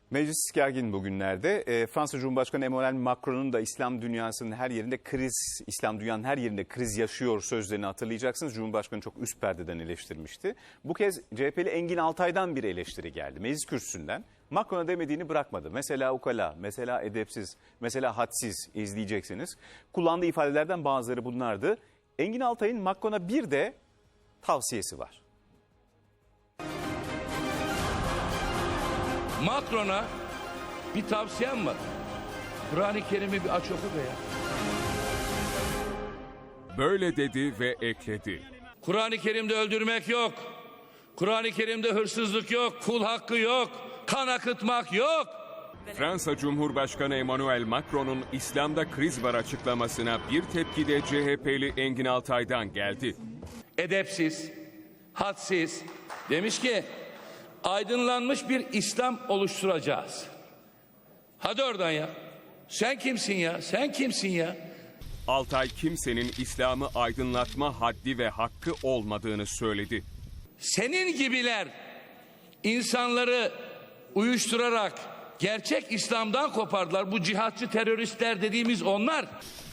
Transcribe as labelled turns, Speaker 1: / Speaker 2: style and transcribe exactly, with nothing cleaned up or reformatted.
Speaker 1: Meclis gergin bugünlerde. E, Fransa Cumhurbaşkanı Emmanuel Macron'un da İslam dünyasının her yerinde kriz, İslam dünyanın her yerinde kriz yaşıyor sözlerini hatırlayacaksınız. Cumhurbaşkanı çok üst perdeden eleştirmişti. Bu kez C H P'li Engin Altay'dan bir eleştiri geldi. Meclis kürsüsünden Macron'a demediğini bırakmadı. Mesela ukala, mesela edepsiz, mesela hadsiz izleyeceksiniz. Kullandığı ifadelerden bazıları bunlardı. Engin Altay'ın Macron'a bir de tavsiyesi var.
Speaker 2: Macron'a bir tavsiyem var. Kur'an-ı Kerim'i bir aç oku be ya.
Speaker 3: Böyle dedi ve ekledi.
Speaker 2: Kur'an-ı Kerim'de öldürmek yok. Kur'an-ı Kerim'de hırsızlık yok. Kul hakkı yok. Kan akıtmak yok.
Speaker 3: Fransa Cumhurbaşkanı Emmanuel Macron'un İslam'da kriz var açıklamasına bir tepki de C H P'li Engin Altay'dan geldi.
Speaker 2: Edepsiz, hadsiz. Demiş ki aydınlanmış bir İslam oluşturacağız. Hadi oradan ya. Sen kimsin ya? Sen kimsin ya?
Speaker 3: Altay kimsenin İslam'ı aydınlatma haddi ve hakkı olmadığını söyledi.
Speaker 2: Senin gibiler insanları uyuşturarak gerçek İslam'dan kopardılar. Bu cihatçı teröristler dediğimiz onlar.